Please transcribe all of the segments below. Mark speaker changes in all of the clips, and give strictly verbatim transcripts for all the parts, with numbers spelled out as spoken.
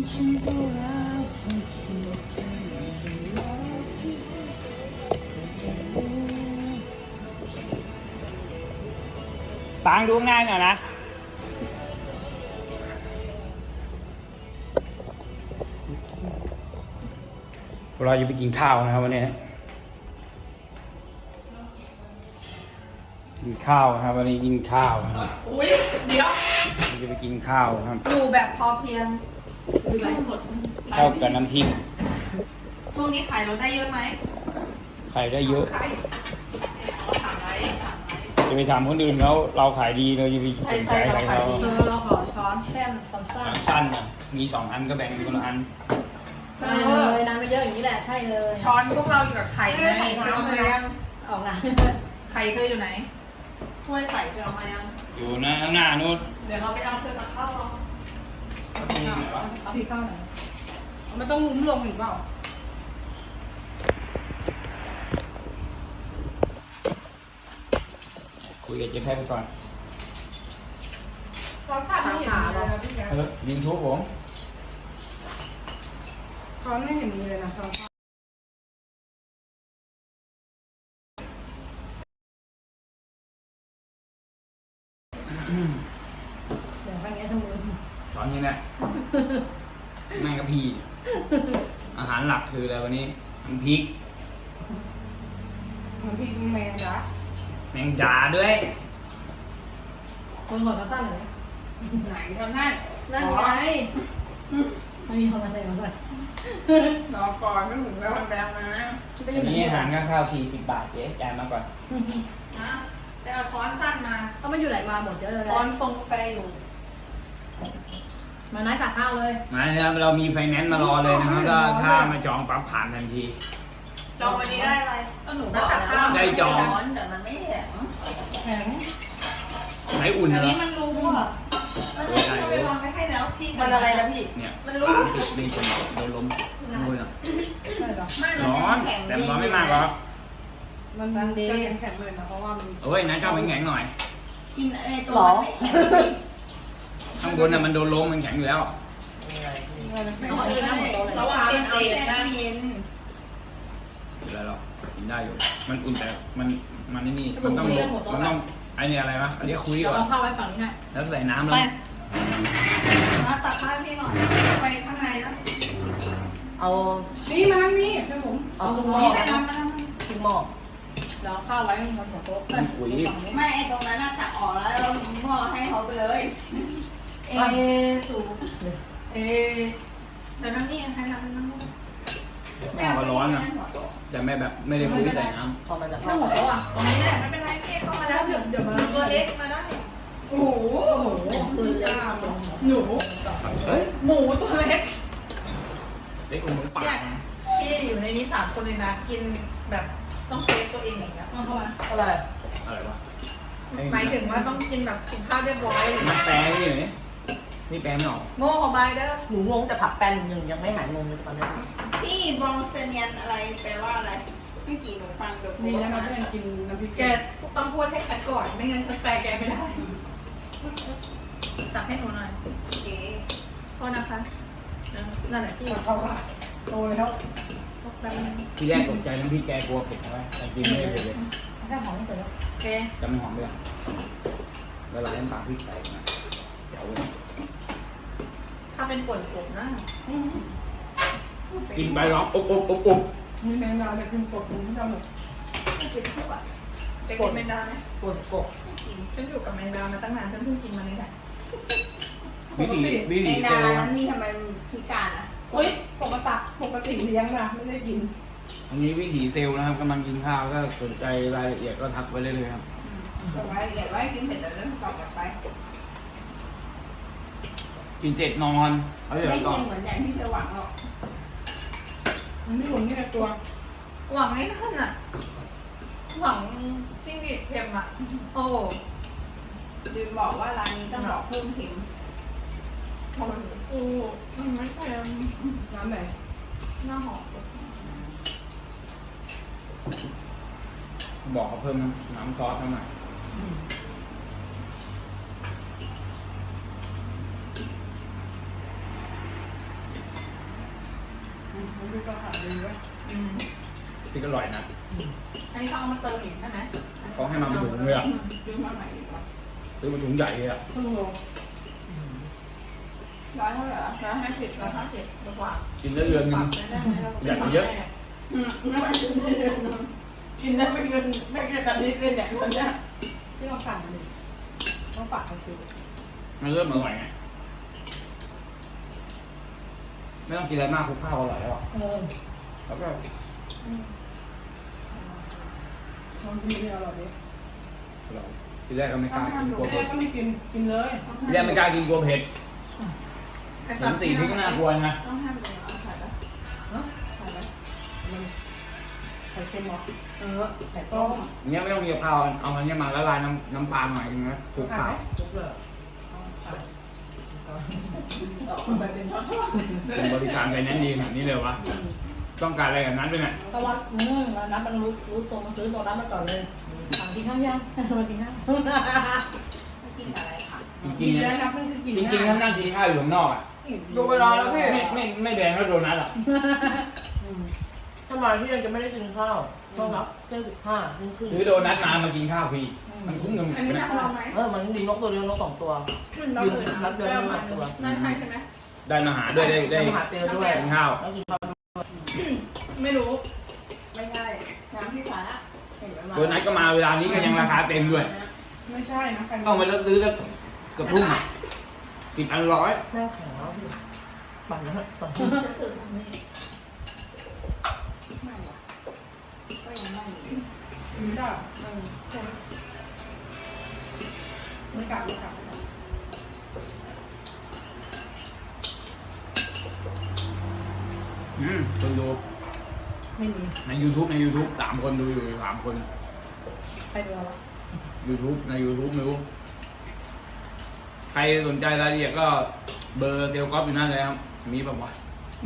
Speaker 1: ปางดูง่ายหน่อยนะเราจะไปกินข้าวนะครับวันนี้กินข้าวนะครับวันนี้กินข้าวนะครับ
Speaker 2: อุ้ยเดี๋ยว
Speaker 1: เราจะไปกินข้าวครับ
Speaker 2: ดูแบบพอเพียงดูไลฟ์สด
Speaker 1: ข้าวกับน้ำพริก
Speaker 2: ช่วงนี้ขายรถได้เยอะไหม
Speaker 1: ไข่ได้เยอะ
Speaker 2: ขายสามไลฟ์สามไลฟ์
Speaker 1: จะไปถามคนอื่นแล้วเราขายดีเราจะไปสนใจอะไรเขา
Speaker 2: เออเราขอช้อนแค่นช้อนสั้น
Speaker 1: สั้นอ่ะมีสองอันก็แบ่งคนละอัน
Speaker 2: เอ
Speaker 3: ใช่เล
Speaker 2: อย
Speaker 3: น้ำไม่เยอะอย่างนี้แหละใช่เลย
Speaker 2: ช้อนพวกเราอยู่กับไข่ไง
Speaker 3: ใส่
Speaker 2: เธอเอา
Speaker 3: น้ำ
Speaker 2: มา
Speaker 3: เลย
Speaker 2: ยัง
Speaker 3: ออกนะ
Speaker 2: ไข่เธออยู่ไหนถ้วยใส่เธอเอามายัง
Speaker 1: อยู่นะข้างหน้านู้น
Speaker 2: เดี๋ยวเราไปเอาเธอมาเข้าเรา
Speaker 1: ที่ไหนวะ
Speaker 2: เอาที่เข้าไหนมันต้องงุ้มลงหรือเปล่า
Speaker 1: คุยกับเจ๊แพทย์ไปก่อน
Speaker 2: ช้อนขาดไม่เห็นเลยนะพี่แก
Speaker 1: เออยิงทุบผม
Speaker 2: ช้อนไม่เห็นมีเลยนะช้อน
Speaker 3: เดี๋ยวข้างนี้ทั้งมือ
Speaker 1: ช้อนนี้แหละแม่งกะพีอาหารหลักคืออะไรวันนี้น้ำพริก
Speaker 2: มันพี่แมงจ้ะ
Speaker 1: แมงดาด้วย
Speaker 3: คนหัวกระตั้งเลย
Speaker 2: ไหนทำนั่น
Speaker 3: นั่นไงไม่มีคนมาใส่มาใส่
Speaker 2: รอก่อนไม่ถึงแล้วมันแบงมา
Speaker 1: วันนี้อาหารข้าวข้าวสี่สิบบาทเจ๊จ่ายมาก่อน
Speaker 2: นะไปเอาช้อนสั้นมา
Speaker 3: เขาไม่อยู่ไหนมาหมดเยอะเลย
Speaker 2: ช้อนทรงกาแฟอยู่
Speaker 3: มานัดตักข้าวเลย
Speaker 1: มาครับเรามีไฟแนนซ์มารอเลยนะครับก็ถ้ามาจองปั๊บผ่านทันที
Speaker 2: ลองวันนี้ได้อะไรก็หนูก็
Speaker 3: ตั
Speaker 2: ตั
Speaker 3: ก
Speaker 2: ก
Speaker 3: ข้า
Speaker 2: ข้าว ว
Speaker 1: ได้จอง
Speaker 3: แต่มันไม่แข็ง
Speaker 2: แข็ง
Speaker 1: ไหนอุ่น
Speaker 2: อัน
Speaker 1: เหรอ
Speaker 2: นี้มันรู้อ่ะมันรู้เอาไปวางไว้ให้แล้วพี่
Speaker 3: มันอะไรนะพี่
Speaker 1: เนี่ย
Speaker 2: มันรู้
Speaker 1: ปิดมีคนโดนล้มนู่นอ่ะ
Speaker 2: ไม่
Speaker 1: ร้อนแต่ร้อนไม่มากหรอก
Speaker 2: มันมันดีแข็งเลยนะเพราะว่ามัน
Speaker 1: โอ้ยนะเจ้าเป็นแข็งหน่อย
Speaker 3: กินไอ้ตัวมันไม่แข็ง
Speaker 1: ข้างบนน่ะมันโดนล้มมันแข็งอยู่แล้ว
Speaker 3: ต้องกินน้ำหมดตัวเลย
Speaker 2: ระหว่างเป็นเตะนะ
Speaker 3: เย็น
Speaker 1: อยู่แล้วหรอกกินได้อยู่ มันอุ่นแต่มันมันนี่นี่มันต้องมันต้องไอเนี่ยอะไรวะอันนี้คุยก่อน
Speaker 3: เอาข้าวไว้ฝั่งนี้ให้
Speaker 1: แล้วใส่น้ำแล้ว
Speaker 2: มาตักข้าวพี่หน่อยไปข้างในนะ
Speaker 3: เอา
Speaker 2: นี่มานั่งนี่เจ้าผม
Speaker 3: เอาทุกหม้อ
Speaker 2: นี่ไปน้ำมานั่ง
Speaker 3: ทุกหม้อ
Speaker 2: แล้วข้าวไว้บนหัวโต๊ะ
Speaker 1: คุย
Speaker 4: ไม่ไอตรงนั้นน่ะตักออกแล้วเราพ่อให้เขาไปเลย
Speaker 2: เอสูเอเดี๋ยวนั่งนี่ให้นั่งนั่ง
Speaker 1: แม่ก็ร้อนอ่ะแต่ไม่แบบไม่ได้คุยใส่น้
Speaker 3: พอมันจะ
Speaker 2: นั่
Speaker 3: เข้าง
Speaker 2: หัวโต๊ะอ่ะตรงนี้แหละไม่เป็นไรพี่เข้ามาแล้วเดี๋ยวเดี๋ยวมาตัวเล็กมาได้โอ้โห
Speaker 3: ปืนเลย
Speaker 2: หนู
Speaker 1: ำเฮ้ย
Speaker 2: หมูตัวเล็ก
Speaker 1: เล็กกว่าหมูป่า
Speaker 2: พี่อยู่ในนี้สามคนเลยนะกินแบบต้องเซฟตัวเองอย่างเงี้ยเข้ามา
Speaker 3: อะไร
Speaker 1: อะไรวะ
Speaker 2: หมายถึงว่าต้องกินแบบกินข้าวเรียบร้อยเลย
Speaker 1: มันแปลไม่อยู่นี่นี่แปลไม่ออก
Speaker 2: โง่ของบายเด้อ
Speaker 3: หนูงงแต่ผักแป้นยังยังไม่หายงงเลยตอนนี้
Speaker 4: พี่บองเซเนียนอะไรแปลว่าอะไรเมื่อกี้หนูฟังเดี๋ยว
Speaker 2: นี่นะครับเพื่อนกินน้ำพริกแกต้องพูดให้ชัดก่อนไม่งั้นฉันแปลแกไม่ได้ตักให้หนูหน่อย
Speaker 4: เก๋
Speaker 2: โทษนะคะนั่นแหละพี่
Speaker 3: เขาโตแล้ว
Speaker 2: แป๊บนึง
Speaker 1: ที่แรกตกใจน้ำพริกแกกลัวเผ็ดใช่ไหมแต่กินไม่ได้เผ็ดเลย
Speaker 3: แค่หอมไม่เสร็จแล้ว
Speaker 2: โอเค
Speaker 1: จะไม่หอมเลยเวลาเล่นปลาพริกใส่นะเจ๋วเลย
Speaker 2: ถ้าเป็นป่นผมนะ
Speaker 1: กินไปร้องอบอบอบอบ
Speaker 2: มีแมงดาแต่กินป่นผมที่ทำหมดไม่กินทุกอ่ะจะกินแมงดาไหม
Speaker 3: กดกด
Speaker 2: ฉันอยู่กับแมงดามาตั้งนานฉันเพิ่งกินมาเลยแหละ
Speaker 1: วิธีวิ
Speaker 4: แม
Speaker 1: ธี
Speaker 4: ง
Speaker 1: เซ
Speaker 4: ดา
Speaker 1: ลล์
Speaker 4: นั้นนี่ทำไมพิการอ่ะ
Speaker 2: เฮ้ยปกติปกติเลี้ยงนะไม่ได้กิน
Speaker 1: อันนี้วิถีเซลล์นะครับกำลังกินข้าวก็สนใจรายละเอียดก็ทักไว้เลยเลยครับ
Speaker 4: ส่งรายละเอียดไว้กินเสร็จแล้วเรื่องตอบกลับไป
Speaker 1: กินเจ็ดนอนเอา
Speaker 4: ไม่
Speaker 1: เดี๋ยว
Speaker 4: ใช่
Speaker 1: ก่อน
Speaker 4: เหมือนอย่างที่เธอหวังหรอก
Speaker 2: มันไม่หมุนแค่ตัว หวังไม่นั่นอ่ะ หวังจิ้งหรีดเค็มอ่ะ โอ้
Speaker 4: จืนบอกว่าร้านนี้ต้องบอกเพิ่มเค็ม
Speaker 2: โหฟูมันไม่เค็มน้ำไหนหน้าหอม
Speaker 1: บอกเขาเพิ่มน้ำซอสเท่าไหร่
Speaker 2: พี่ก็ขายดีวะอืม
Speaker 1: ที่ก็อร่อยนะ
Speaker 2: อันนี้เขาเอามาเติมอีกใช่ไหม
Speaker 1: เขาให้มาเป็นถุงเลยอ่ะ
Speaker 4: ซื้อมาใหม่ดีกว่า
Speaker 1: ซื้อเป็นถุงใหญ่เลยอ่ะ
Speaker 2: ครึ่งโล
Speaker 4: ร้อยเท่าไหร่อะ
Speaker 2: ร้อยห้าสิบร้อยห้าสิบดีกว่า
Speaker 1: กินได้เดือนหนึง ใหญ่กว่าเยอะ
Speaker 4: อืมไม่ได้กินได้เดือนนึงกินได้ไม่เกินไม่เกินอาทิตย์เลยเนี่ยคนเนี้ย
Speaker 2: ที่เราปั่นเลยต้องฝากเขาซื้อ
Speaker 1: มันเริ่มอร่อยไงไม่ต้องกินอะไรมากคลุกข้าวอร่อยแล้วอ่ะ
Speaker 3: เออ
Speaker 1: แล้วก็
Speaker 2: ลองกินที่อร่อยดิ
Speaker 1: อร่อยทีแรกก็ไม่กล้ากินกลัว
Speaker 2: แม่
Speaker 1: เผ็ด
Speaker 2: ก็ไม่กินกินเลย
Speaker 1: ทีแรกไม่กล้ากินกลัวเผ็ดเห็นสีพริกก็น่ากลัวนะ
Speaker 4: ต้องห้ามเลยเอาใส่ปะ
Speaker 2: เนาะ
Speaker 4: ใส่ปะ
Speaker 2: มันไข่เค็มเหรอ
Speaker 4: เออใส่
Speaker 2: ต้
Speaker 4: ต้
Speaker 2: ม
Speaker 4: ม
Speaker 1: อย่างเงี้ยไม่ต้องมีข้าวเอาอันเนี้ยมาละลายน้ำน้ำปลาหน่อยนึงนะคลุกข้าว
Speaker 2: ทุกเลยต่อไปเป็นทอด
Speaker 1: เป็นบริการไปแน่นดีขนาดนี้เลยวะต้องการอะไรกับนั้นด้วยเนี่ย
Speaker 3: ตะวันอืมวันนั้นมันรู้รู้ตัวมาซื้อตัวนั้นมาก่อนเลยถามกินข้าวยังมากินข้าว
Speaker 4: ไม่กินอะไรค่ะ
Speaker 1: จริ
Speaker 2: กิ
Speaker 1: ง
Speaker 2: น
Speaker 1: ๆ
Speaker 2: ได้
Speaker 1: เนี่ย
Speaker 2: นะเพิ่งจะกิน
Speaker 1: จริงๆถ้านั่งกินข้าวอยู่ข้างนอกอ่ะ
Speaker 2: ดูเวลาแล้วพี่
Speaker 1: ไม่ไม่ไม่แดงแล้วโดนัทอ่ะ
Speaker 2: ทำไมพี่ยังจะไม่ได้กินข้าวต้องรับเจ็ดสิบห้าครึ่งครึ่ง
Speaker 1: หรือโดนัทมามากินข้าวฟรีมันคุ้มกับ
Speaker 2: อันนี้
Speaker 1: นะ
Speaker 2: น่าลองไหม
Speaker 3: เออมันยิงนกตัวเดียวนกสองตัว
Speaker 2: เราเคยรับเดือนละมาตัวน่าใช่ใช่ไหม
Speaker 1: ได้มาหาด้วยได้ได้
Speaker 3: มหาเจอด้วย
Speaker 1: กินข้าว
Speaker 3: แล้วกินข้าว
Speaker 2: ไม่รู้
Speaker 4: ไม่ใช่น้ำพี่ฟ้าเห็นไหมมา
Speaker 1: โดนัทก็มาเวลานี้ก็ยังราคาเต็มด้วย
Speaker 2: ไม่ใช่นะ
Speaker 1: ต้องไปซื้อสักเกือบทุ่มอ่ะสิบอันร้อย
Speaker 3: แม่แข็งแล้วพี่ปั่นแล้วตอน
Speaker 4: ไม่หรอกก็ยังไม่อยู่
Speaker 2: ไม่ได้ไม่กลับไม่กลับ
Speaker 1: อืมคนดู
Speaker 3: ไม่มี
Speaker 1: ใน YouTube ใน YouTube สามคนดูอยู่สามคน
Speaker 3: ใครดูเรา
Speaker 1: YouTube ใน YouTube ไม่รู้ ใครสนใจรายละเอียดก็เบอร์เซลล์ก๊อฟอยู่นั่นเลยครับ มีป่าวะ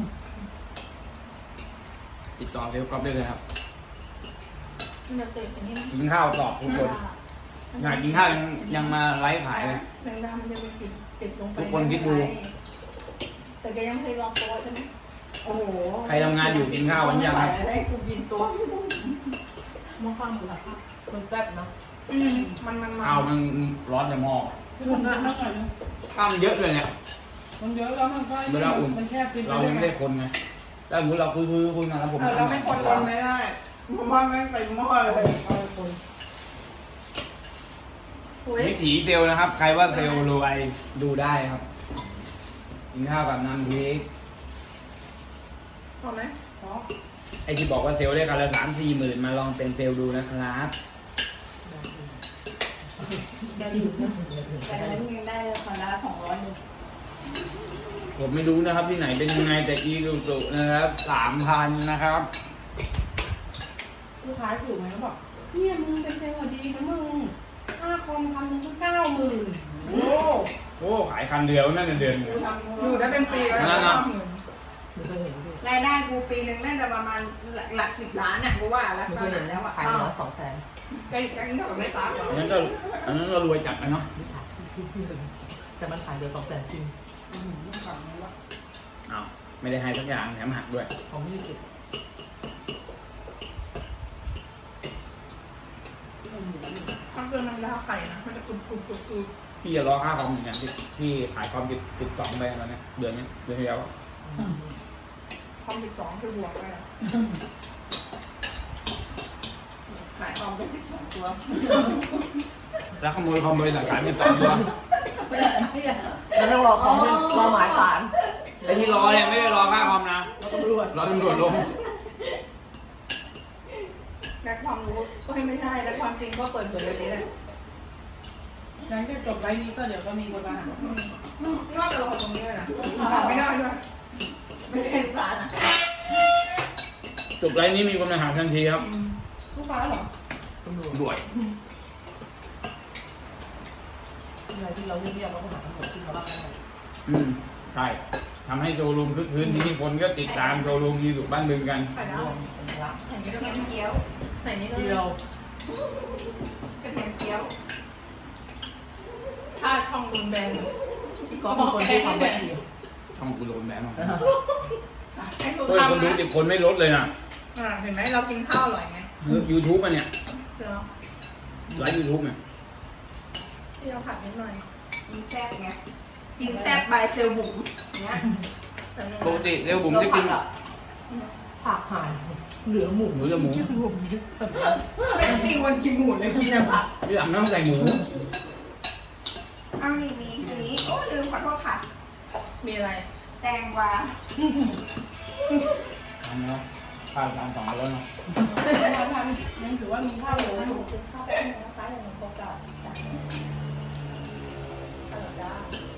Speaker 1: ติดต่อเซลล์ก๊อฟได้เลยครับ
Speaker 2: เราเตะอย่างนี้
Speaker 1: กินข้าวตอบทุกคนอยากกินข้าวยังยังมาไลฟ์ขายเลย
Speaker 2: แมงดามันจะไปติดติดลงไป
Speaker 1: ทุกคนคิดดู
Speaker 2: แต่แกยังเคยลองตัวใช่ไหมโอ้โห
Speaker 1: ใครทำงานอยู่กินข้าววันนี้ยัง
Speaker 4: ไม่
Speaker 1: ครับ
Speaker 4: ไหวได้กูกินตัว
Speaker 3: มองความสุขภาพมันแซ่บเนาะ
Speaker 2: อืมมันมัน
Speaker 1: ข้าวมันร้อนในหม้อ
Speaker 2: มันเยอะมากเลย
Speaker 1: ข้าวมันเยอะเลยเนี่ย
Speaker 2: มันเยอะแล้วมันก็
Speaker 1: เวลาอุ่น
Speaker 2: มันแคบกิน
Speaker 1: เรายังไม่ได้คนไงถ้าสมมติเราคุยคุยคุยมาแล้วผม
Speaker 2: เออเราไม่คนคนไม่ได้เพราะว่าไม่ไปหม้อเลยเอาคน
Speaker 1: วิถีเซลล์นะครับ ใครว่าเซลล์รวยดูได้ครับ กินข้าวกับน้ำพริก
Speaker 2: พอไหมพอ
Speaker 1: ไอที่บอกว่าเซลล์ได้กันละสามสี่หมื่นมาลองเป็นเซลล์ดูนะครับ
Speaker 3: ได้อยู่นะ
Speaker 4: แต่นั้นยังได้คนละสองร้อยหนึ่ง
Speaker 1: ผมไม่รู้นะครับที่ไหนเป็นยังไงแต่อีดูสุนะครับสามพันนะครับ
Speaker 2: ลูกค้าอยู่ไหมเขาบอกเนี่ยมึงเป็นเซลล์ดีนะมึงค่าคอมคำนึงก็เก้าหมื่นโอ้
Speaker 1: โอ้ขายคันเดียวนั่นเดือนหนึ่ง
Speaker 2: อยู่ได้เป็นปีแล้ว
Speaker 1: นั่นน่ะ
Speaker 3: หนูเคยเห็นพี่
Speaker 4: รายได้กูปีหนึ่งน่าจะประมาณหลักสิบล้านอ่ะกูว่าแล้ว
Speaker 3: หนู
Speaker 4: ต
Speaker 3: เค
Speaker 4: อน
Speaker 3: ยเห็
Speaker 4: นั้น นแล้วอ่ะ
Speaker 3: ขายหัวสองแสน
Speaker 2: ใกล้ใกล้กับไม่ตา
Speaker 1: อันนั้นก็อันนั้นก็รวยจัดนะเนาะ
Speaker 3: วิชาชีพพี่เลยแต่มันขายเดือนสองแสนจริง
Speaker 1: อ้าวไม่ได้ให้สักอย่างแถมหักด้วย
Speaker 3: ของพี่สิบ
Speaker 2: ถ้าเกินมันราไข่นะมันจะกรุบกรุบกรุบกรุบ
Speaker 1: พี่จะรอค่าคอมอย่างเงี้ยที่ที่ขายคอมติดติดสองไปแล้วเนี่ยเดือนนี้เดือนที่แล้ว
Speaker 2: คอมสิบสองคือบวกไปอะ
Speaker 4: ขายคอมไปสิบสองตัว
Speaker 1: แล้วขโมยคอมบริษัทขายติดสองตัว
Speaker 3: แล้วต้องรอของรอหมายสาร
Speaker 1: ไอ้ที่รอเนี่ยไม่ได้รอค่าคอมนะ
Speaker 3: แล้วตำรวจ
Speaker 1: รอตำรวจลง
Speaker 2: และความรู้ก็ไม่ใช่และความจริงก็เปิดเผยแบบนี้แหละหลังจากจบไลฟ์นี้ก็เดี๋ยวก็มีคนมาหานอกจากเราตรงนี้เลยนะไม่ได้ด้วย
Speaker 4: ไม่ได้ลูกค้านะ
Speaker 1: จบไลน์นี้มีคนมาหาทันทีครับ
Speaker 2: ลูกค้าเหรอ
Speaker 3: ตำรวจ
Speaker 1: ด่วย
Speaker 3: อะไรที่เราเรียกๆเราก็หาตำรวจที่เขารับได้
Speaker 1: อืมใช่ทำให้โชว์รูมคึกคืนที่นี่คนก็ติดตามโชว์รูมที่สุบ้านบึงกัน
Speaker 2: ใส่
Speaker 3: ร
Speaker 2: แล้ว
Speaker 3: วมเป็นละ
Speaker 2: ใส่นี้
Speaker 4: ก
Speaker 2: ได้
Speaker 4: ระ
Speaker 2: ไหม
Speaker 4: เทียมเจียว
Speaker 2: ใส่นี้ได้
Speaker 3: เจี
Speaker 2: ไหม
Speaker 3: ยว
Speaker 4: กระเทียมเจียว
Speaker 2: ถ้าช่องโดนแบน
Speaker 3: ก็เป็นคนที่ทำแบบนี้
Speaker 1: ช่องกูโดนแบนหรอก
Speaker 2: ให้ดู
Speaker 1: เฮ้ยคน
Speaker 2: ทำ
Speaker 1: ดู
Speaker 2: นะ
Speaker 1: สิบคนไม่ลดเลยนะ
Speaker 2: อ่าเห็นไหมเรากินข้าวอร่อยไง
Speaker 1: ยูทูบมันเนี่ย
Speaker 2: เดี๋ยว
Speaker 1: ไลฟ์ยูทูบเนี่ย
Speaker 2: พี่เอาผัดนิดหน่อย
Speaker 4: กินแซ่บไงกินแซ่บบายเซลบุ๋มเนี้ย
Speaker 2: แต่นึง
Speaker 1: ปกติเดี๋ยวผมจะกิน
Speaker 3: ผักหายเหลือหมู
Speaker 1: หมูจะหมู
Speaker 4: ไม่มีคนกินหมูเลยกินแต่ผัก
Speaker 1: ที่หลังไม่ต้องใส่หมู
Speaker 4: อ้าวนี่มีอันนี้โอ้ลืมขอโทษค่ะ
Speaker 2: มีอะไร
Speaker 4: แตงกวา
Speaker 1: ทำแล้วข้าวจานสองแล้วเนาะ
Speaker 3: ยังถือว่ามีข้าวเหลืออยู่
Speaker 2: กินข้าวนะคะอย่างโปรกาสจ้ะฮัลโหลจ้า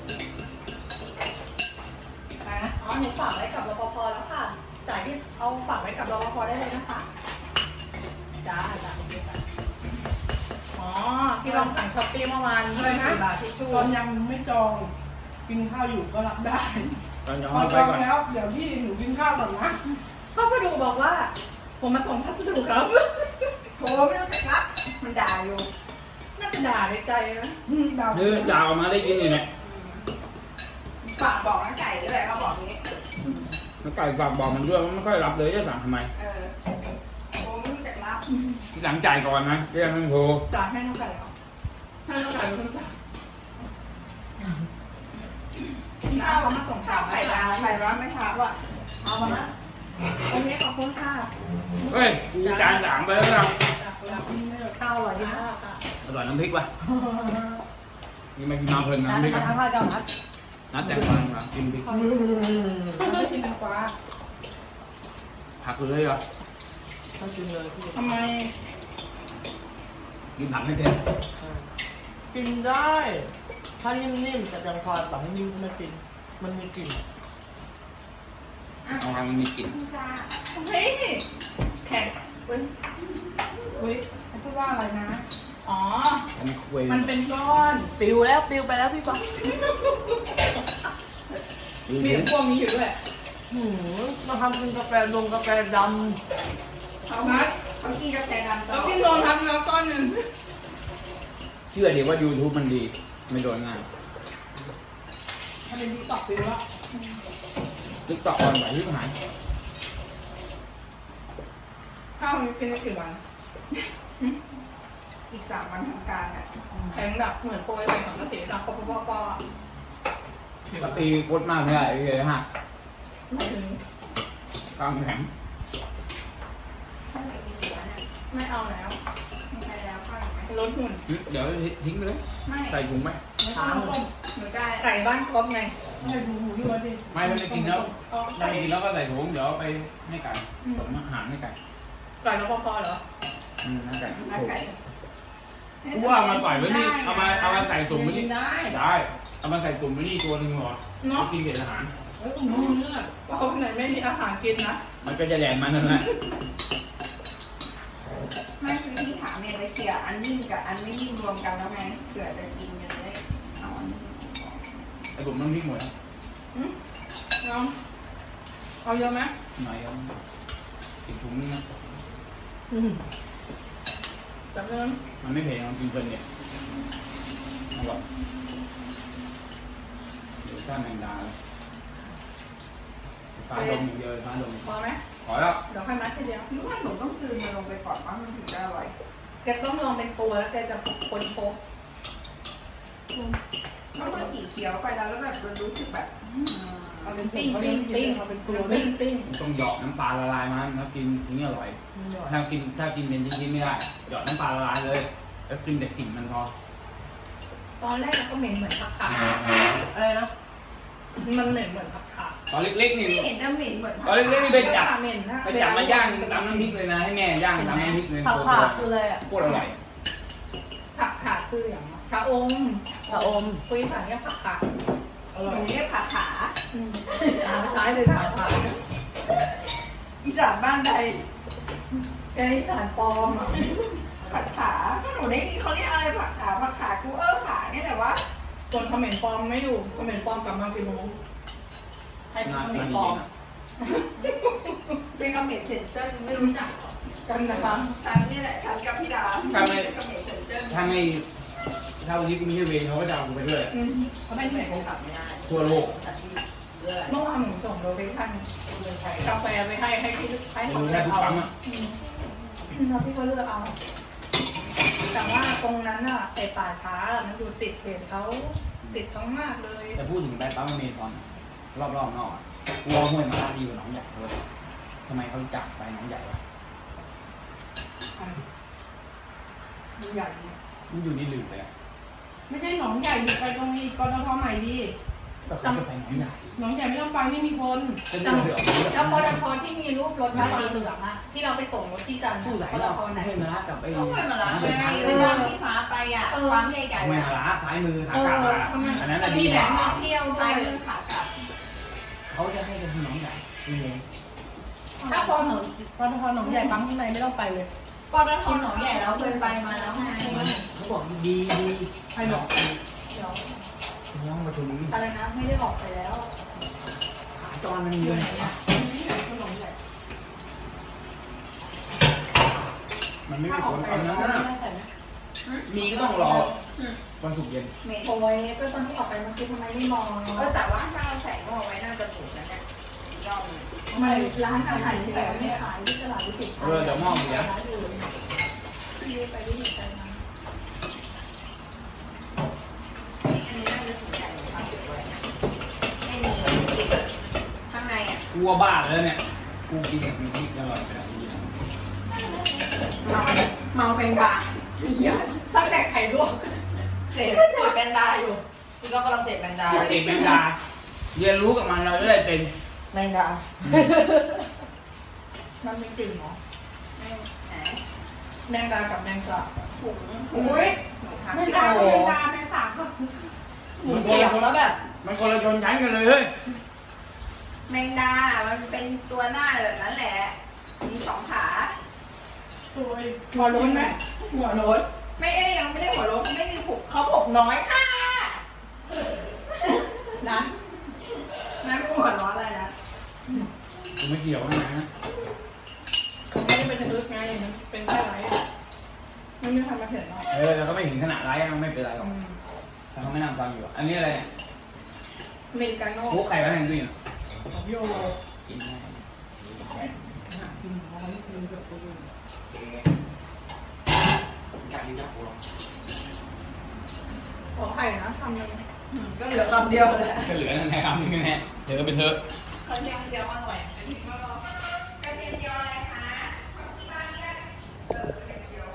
Speaker 3: นะ
Speaker 2: อ๋อหนูฝากไว้กับรปภแล้วค่ะ จ่ายที่เอาฝากไว้กับรปภได้เลยนะคะจ้าจ้าโอเคจ้ะอ๋อที่ลองสั่งช้อปปี้เมื่อวานยี่สิบบาทที่ชู่
Speaker 3: ตอนยังไม่จองกินข้าวอยู่ก็รับได้
Speaker 1: ตอนจะ
Speaker 3: พ
Speaker 1: ห้
Speaker 3: อ
Speaker 1: อย
Speaker 3: จ
Speaker 1: ไป
Speaker 3: อง
Speaker 1: ก่อน
Speaker 3: แล้วเดี๋ยวพี่หนูกินข้าวก่อนนะ
Speaker 2: พัสดุบอกว่า ผมมาส่งพัสดุครับ
Speaker 4: โทรไม่รู้จักรับมันด่าอยู่
Speaker 2: น่าจะด่าในใจนะ
Speaker 3: ดาว
Speaker 1: นี่ดาวมาได้ยินอยู่เนี่ย
Speaker 4: ฝากบอกน้าไก่ด้วยเขาบอกนี้
Speaker 1: แล้วไก่ฝากบอกมันด้วยว่าไม่ค่อยรับเลยจะสั่งทำไม
Speaker 4: เออโทรไม่รู้จักรับ
Speaker 1: ที่หลังจ่ายก่อนนะเรียกมันโทร
Speaker 2: จ่ายให้น้องไก่เหรอให้น้องไก่เป็นคนจ่ายน้าเขามาส่ง
Speaker 4: ข้า
Speaker 2: ข่าว ว
Speaker 4: ไข่
Speaker 2: ให้
Speaker 4: ดาว
Speaker 2: เรา
Speaker 4: ไข่ร้อนไม่ทาว่ะ
Speaker 2: เอามานะโอเคขอบคุณค่ะ
Speaker 1: เฮ้ยกูจานสามไปแล้วนะ
Speaker 3: ข้าวอร่อยดี
Speaker 2: จ้า
Speaker 3: นะ
Speaker 2: จ้า
Speaker 1: อร่อยน้ำพริกป่ะนี่มากินมาเพลินนะ
Speaker 3: ร้าน
Speaker 1: น้ำพริก
Speaker 3: อา
Speaker 1: อะ
Speaker 3: หารข้าวเจ้านัด
Speaker 1: นัดแต่งงานมากินพริก
Speaker 3: ไม่กินแตงกวา
Speaker 1: ผักเลยเหรอ
Speaker 3: ต้องกินเลยพี่
Speaker 2: ทำไม
Speaker 1: กินผักไม่เป็น
Speaker 3: กินได้ ถ้านิ่มๆแต่แตงกวาแบบนิ่มไม่กิน มันมีกลิ่น
Speaker 1: เอาทางมันมีกลิ่น
Speaker 4: จ้า
Speaker 2: เฮ้ยแข็งเว้ย
Speaker 3: อุ้ยเขาพูดว่าอะไรนะ
Speaker 2: อ๋อ
Speaker 1: อันนี้คุย
Speaker 2: มันเป็นก้อน
Speaker 3: ปิวแล้วปิวไปแล้วพี่ป๊อก
Speaker 2: มีพวกนี้อยู่ด้วย
Speaker 3: หืมมาทำเป็นกาแฟดงกาแฟด
Speaker 4: เขา
Speaker 2: นัด
Speaker 4: เขากินกาแฟดำตล
Speaker 2: เรา
Speaker 4: อด
Speaker 2: ที่โดนทำแล้วก้อนหนึ่ง
Speaker 1: เชื่อดีว่า YouTube มันดี ไม่โดนง่าย
Speaker 3: ำถ้าเป็นที่ตอกปิวแล้ว
Speaker 1: ติ๊กต็อกออนไหวที่หาย
Speaker 2: ข้าวนี้กินได้กี่วัน
Speaker 4: อีกสามวันทำการอ่ะ
Speaker 2: แข็งแบบเหมือนโปรยไปกับกระสีดับปอปอปอ
Speaker 1: ปตีโคตรมากไม่ได้เลยฮะ
Speaker 2: ไม่ถึง
Speaker 1: กลางแข็ง
Speaker 4: ถ้าไหนกินหัวเนี่ย
Speaker 2: ไม่เอาแล้ว
Speaker 4: มีใครแล้วข้าวอีกไหม
Speaker 2: ลดหุ่น
Speaker 1: หึเดี๋ยวทิ้งไปเลย
Speaker 4: ไม่
Speaker 1: ใส่ถุงไหม
Speaker 3: ถาม
Speaker 4: หนูได้
Speaker 2: ไก่บ้านครบไง
Speaker 3: ให้ดูหมูที่วัดดิ
Speaker 1: ไม่ถ้าไม่กินแล้ว
Speaker 2: เอา
Speaker 1: ถ้า
Speaker 2: ไก่
Speaker 1: ไม่กินแล้วก็ใส่ถุงเดี๋ยวเอาไปให้ไก่ผมอาหารให้ไก่
Speaker 2: ไก่แล้วปอปอเหรอ
Speaker 1: อืมให้ไก่
Speaker 4: น้าไก่
Speaker 1: กูว่าเอามาปล่อยไว้นี่เอามาเอามาใส่ตุ่มไว้
Speaker 3: กิ
Speaker 1: นี่
Speaker 3: นได้
Speaker 1: ได้เอามาใส่ตุ่มไว้นี่ตัวหนึ่งหรอ
Speaker 2: เนาะ
Speaker 1: กินเศษอาหาร
Speaker 3: เอ้ยหมูเนื้อ
Speaker 2: ว่าเขาไหนไม่มีอาหารกินนะ
Speaker 1: มันก็จะแดงมันนั่นแหละ
Speaker 4: ไม่คือที่ถามเนี่ยจะเคลียร์อันนิ่มกับอันไม่นิ่มรวมกันแล้วไงเผื่อจะกินกันจะได้เอาอันนี้
Speaker 1: ไอ้ผมน้ำพริกหมดแล้ว
Speaker 2: อืมเอาเอาเยอะไหม
Speaker 1: หน่อยเอาอีกถุงนึงนะ
Speaker 3: อืม
Speaker 2: จับเงิน
Speaker 1: มันไม่เผ็ดมันกินเพลินเนี่ยอร่อยเดี๋ยวข้าวแมงดาเลยฟ้าดมอย่างเดียวเลยฟ้าดม
Speaker 2: พอไหม
Speaker 1: ขอแล้ว
Speaker 2: เดี๋ยวค่อยมัดทีเดียว
Speaker 4: นึกว่าหนูต้องกลืนมันลงไปก่อนว่ามันถึงจะอร่อย
Speaker 2: แกต้องลองเป็นตัวแล้วแกจะคนโฟก
Speaker 4: เพราะมันขี่เคี้ยวไปแล้วแล้วแบบมันรู้สึกแบบอืม
Speaker 3: เอาเป็น
Speaker 2: ปิ้
Speaker 3: ปิ้
Speaker 2: ง
Speaker 3: ง
Speaker 2: ปิ้
Speaker 3: ปิ้
Speaker 2: ง
Speaker 3: ง
Speaker 2: ปิ้ง
Speaker 3: เอาเป็นตัว
Speaker 2: ปิ้งปิ้ง
Speaker 1: ต้องหยอกน้ำปลาละลายมันแล้วกินถึงจะอร่อย ถ้ากินถ้ากินเป็นชิ้นๆไม่ได้หยอดน้ำปลาละลายเลยแล้วกินแต่กลิ่นมันพอ
Speaker 2: ตอนแรกก็เหม็นเหมือนผักขา
Speaker 3: อะไรนะ
Speaker 2: มันเหม็นเหมือนผักขา
Speaker 1: ตอนเล็กๆนี่
Speaker 4: ไม่เห็นจะเหม็นเหมือน
Speaker 1: ตอนเล็กๆนี่ไปจับ
Speaker 2: เหม็นนะ
Speaker 1: ไปจับมาย่างตำน้ำพริกเลยนะให้แม่ย่างตำน้ำพริกเลย
Speaker 3: ผักขาดคืออะไรอ่ะ
Speaker 1: โคตรอร่อย
Speaker 2: ผักขาคืออย่างชะอม
Speaker 3: ชะอม
Speaker 2: คุยผ่านเนี่ยผักขา
Speaker 3: อ
Speaker 4: ห
Speaker 3: ร่อ
Speaker 4: นู
Speaker 3: ย
Speaker 4: เรียกขาขา
Speaker 2: ทางซ้ายเลยทางขวา
Speaker 4: อีสานบ้านใด
Speaker 2: แกที่สารปลอมอ่ะ
Speaker 4: ผักขาก็หนูได้ยินเขาเรียกอะไรผักขาผักขากูเออขาเนี่ยแหละวะ
Speaker 2: ส่วนเขมรปลอมไม่อยู่เขมรปลอมกลับมากี่โมง
Speaker 3: ให้
Speaker 1: น่า
Speaker 3: เขม
Speaker 1: น่าร ดี
Speaker 3: ปลอม
Speaker 1: นะ
Speaker 4: เป็นกระเหม็ดเซนเจิ้นไม่รู้จักหรอ
Speaker 2: กันนะคะ
Speaker 4: ฉันนี่แหละฉันกับพี่ดาเป็นกระเหม็ดเซนเจิ้น
Speaker 1: ถ้าไม่ถ้าวันนี้กูไม่ใช่เวรเขาก็จะเอากูไปด้วย
Speaker 2: อืม
Speaker 3: เขาไม่เหนื่อยคงกลับไม่ได้
Speaker 1: ทั่วโลก
Speaker 2: เมื่อวานหนูส่งโลเคชั่นกาแฟไปให้ให้พี่ให้
Speaker 1: ไม่
Speaker 2: เขา
Speaker 1: รู้
Speaker 2: เลื
Speaker 1: แค่
Speaker 2: อก
Speaker 1: ทุก
Speaker 2: เอา
Speaker 1: ปั๊มอ่ะ
Speaker 2: แล้วพี่ก็เลือกเอา แต่ว่าตรงนั้นอ่ะไอป่าช้ามันอยู่ติดเพจเขาติดเขามากเลย
Speaker 1: จะพูดถึงไปปั๊มอเมซอนรอบๆนอกอ่ะกลัวห้วยมาลาดีกว่าหนองใหญ่เลยทำไมเขาจับไปหนองใหญ่วะ
Speaker 3: ใหญ่
Speaker 1: มันอยู่นี่ลืมไปอ่ะ
Speaker 3: ไม่ใช่หนองใหญ่ดิไปตรงนี้ปตทใหม่ดี
Speaker 1: ก็เขาจะไปหนองใหญ่
Speaker 3: หนองใหญ่ไม่ต้องไปไม่มีคน
Speaker 1: ก็จะไปออกเรือ
Speaker 2: แล้วปตทที่มีรูปรถมาสีเหลืองอะที่เราไปส่งรถที่จันทร์
Speaker 1: สู้สาย
Speaker 2: ปต
Speaker 1: เรา
Speaker 2: ทไหน
Speaker 1: ห้วยมาลากับไอ้
Speaker 4: ก็เคยมาละไง
Speaker 1: ทาง
Speaker 4: เลยวันที่ฟ้าไปอ่ะความใหญ่
Speaker 1: ห้วย
Speaker 4: ๆ
Speaker 1: มา
Speaker 4: อ่ะ
Speaker 1: ลาซ้ายมือทางกลับมาอันนั้นน่ะดี
Speaker 2: มีแห
Speaker 1: ก
Speaker 2: ล่
Speaker 1: ว่าง
Speaker 2: ท่องเที่ยวด้
Speaker 4: ซ้า
Speaker 2: วย ย
Speaker 4: มือขากลับ
Speaker 1: เขาจะให้กันที่หนองใหญ่ดีเอง
Speaker 3: ถ้าพอหนองปตทหนองใหญ่ปั๊มข้างในไม่ต้องไปเลย
Speaker 4: ปตทหนองใหญ่เราเคยไปมาแล้วไง
Speaker 1: เขาบอกดีดีให้หนอง
Speaker 2: เดี๋ยว
Speaker 1: น้องมาถึง
Speaker 2: อะไรนะไม่ได้ออกไปแล้ว
Speaker 1: ขาจรมันมี
Speaker 2: อยู่
Speaker 1: ไห
Speaker 2: ไห
Speaker 1: น
Speaker 2: น
Speaker 1: อ่ะ
Speaker 2: อะ
Speaker 3: หนองใหญ่
Speaker 1: มันไม่
Speaker 3: ถ้า
Speaker 1: มี
Speaker 3: อ
Speaker 1: ผ
Speaker 3: อก
Speaker 1: ล
Speaker 3: ไป
Speaker 1: เอา
Speaker 3: แล้
Speaker 1: นั้
Speaker 3: วน ไม่
Speaker 1: นะ
Speaker 3: ได้ใส่นะ
Speaker 1: มีก็ต้องรอวันศุกร์เย็น
Speaker 4: เมย์
Speaker 2: โอ้ยก็ตอนที่ออกไปเมื่อกี้ทำไมไม่มอง
Speaker 4: เออแต่ว่าถ้าเราใส่หม้อไว้น่าจะถูกนะเนี่ยยอม
Speaker 2: ทำไมร้านอาหารที่แบบไม่ขายที่ตลาดวิจิตร
Speaker 1: เออเดี๋ยวหม้อเสีย
Speaker 2: ร้านอื่นที่ไปวิจิตรกันมา
Speaker 4: นี่อันนี้น่าจะถูกใจเลยค่ะไอ้นี่ติดข้างในอ่ะ
Speaker 1: กลัวบ้าแล้วเนี่ยกูกินกับมีชีสอร่อยไปแล้ว
Speaker 4: เมาเมาเป็นบา
Speaker 2: ตั้งแต่ไข่ลวก
Speaker 3: เสพเสพแบนดาอยู่พี่ก็กำลังเสพแบนดา
Speaker 1: เด็กแมงดาเรียนรู้กับมันเราจะได้เป็น
Speaker 3: แบนดา
Speaker 2: มันมีกลิ่นเหรอ
Speaker 4: ไม่แหม
Speaker 2: แมงดากับแมงสาบ
Speaker 4: ถุง
Speaker 2: อุ้ย
Speaker 4: หนู
Speaker 2: แมง
Speaker 4: ทำ
Speaker 2: ดาแมงดาแมงสาบก็
Speaker 3: หมูเปียกแล้วแบบ
Speaker 1: มันคนละชนชั้นกันเลยเฮ้ย
Speaker 4: แมงดา มันเป็นตัวหน้าแบบนั้นแหละ มีสองขา
Speaker 3: สวย
Speaker 2: หัวรุ้นไหม
Speaker 4: หัวโล้นไม่เอ้ยยังไม่ได้หัวโล้นเขาไม่มีผูกเขาผูกน้อยค่ะ
Speaker 2: นะ
Speaker 4: นั่นหัวร้อนอะไรนะ
Speaker 1: กูไม่เกี่ยวนะนะ
Speaker 2: ไม่ได้เป็นทึกไงมันเป็นแค่ไรมันไม่ทำมาเห็นหรอก
Speaker 1: เออเราก็ไม่ถึงขนาดร้ายมันไม่เป็นไรหรอกแต่เขาไม่นำฟังอยู่อันนี้อะไรเนี่ย
Speaker 2: อเมริกาโน่
Speaker 1: โอ้ไข่ไว้ในตู้เย็น
Speaker 3: ของพี่โอ
Speaker 1: กินได้
Speaker 3: กินเอาไว้กินกับตัวเอง
Speaker 1: อยากกินจับกูหรอ
Speaker 2: ขอไข่นะทำเลย
Speaker 4: ก็เหลือคำเดียวเลย
Speaker 1: ก็เหลือนั่นแหละครับนี่แน่เดี๋ยวก็เป็นเธอ
Speaker 2: เขาเดียวเดียวอร่อย
Speaker 4: กระเทียมเจียวอะไรคะที่บ้านเนี่ยเออกระเทียมเจียว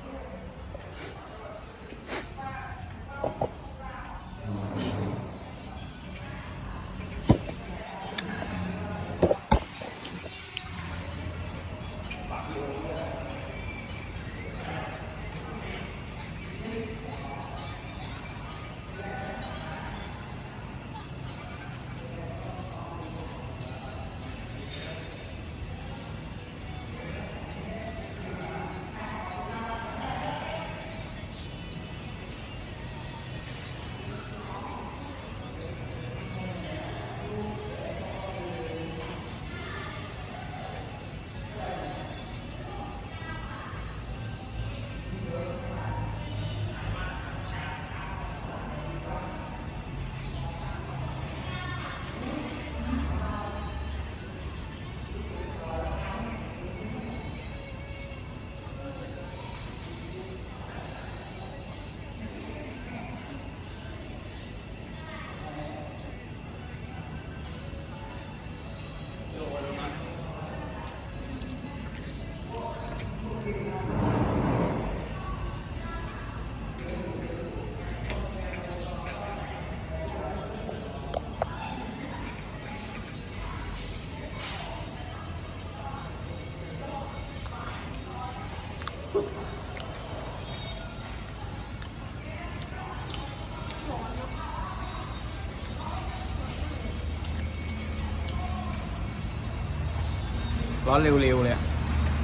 Speaker 1: ร้อนเร็วๆเลยอะ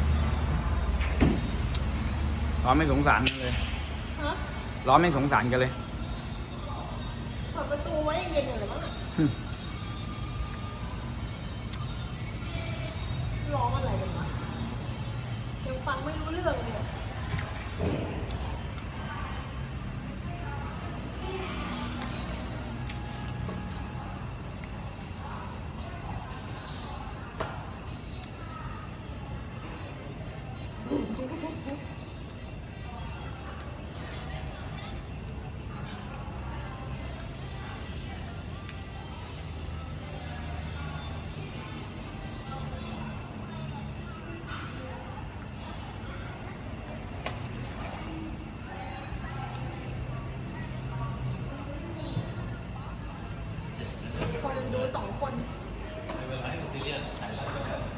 Speaker 1: ร้อนไม่สงสารกันเลย
Speaker 5: ฮะ
Speaker 1: ร้อนไม่สงสารกันเลย
Speaker 5: เปิดประตูไว้เย็นอยู่เลยมั้งร้องอะไรกันวะยังฟังไม่รู้เรื่องเลยอะ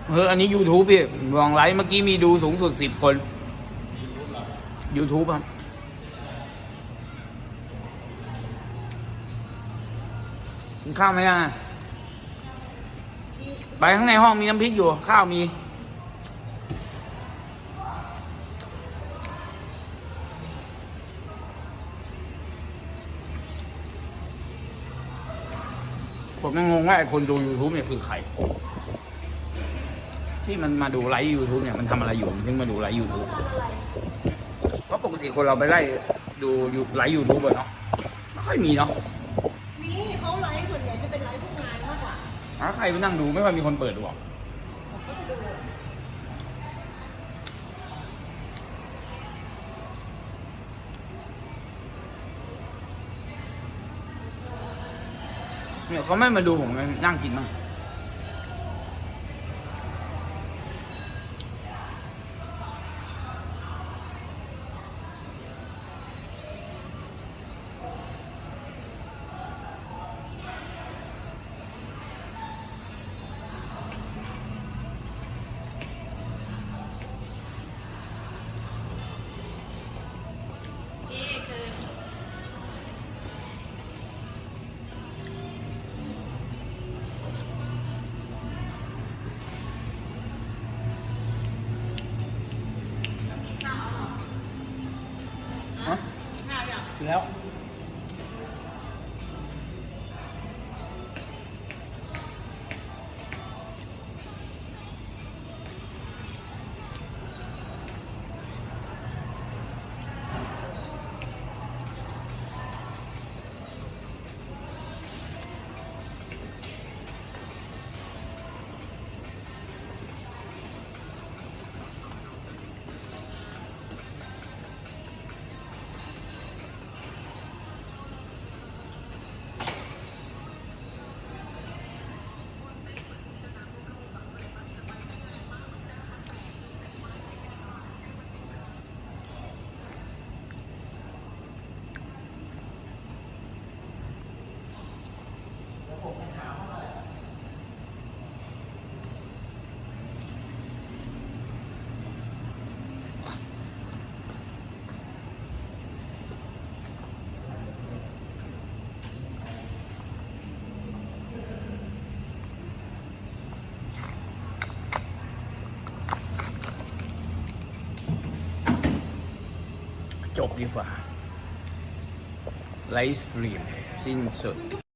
Speaker 1: เอออันนี้ YouTube พี่ลองไลฟ์เมื่อกี้มีดูสูงสุดสิบคน YouTube ครับกินข้าวไหมยังอะไปข้างในห้องมีน้ำพริกอยู่ ข้าวมีผมยังงงว่าไอ้คนดู YouTube เนี่ยคือใคร ที่มันมาดูไลฟ์ YouTube เนี่ยมันทำอะไรอยู่มันถึงมาดูไลฟ์ YouTube เพราะปกติคนเราไปไล่ดูไลฟ์ YouTube อะเนาะไม่ค่อยมีเนาะ
Speaker 5: นี่เขาไลฟ์ส่วนใหญ่จะเป็นไลฟ์พวกงานมากกว่า
Speaker 1: ถ้าใครไปนั่งดูไม่ค่อยมีคนเปิดดูหรอกเนี่ยเขาไม่มาดูผมนั่งกินมั้งฮะแล้ว จบดีกว่าไลฟ์สตรีมสิ้นสุด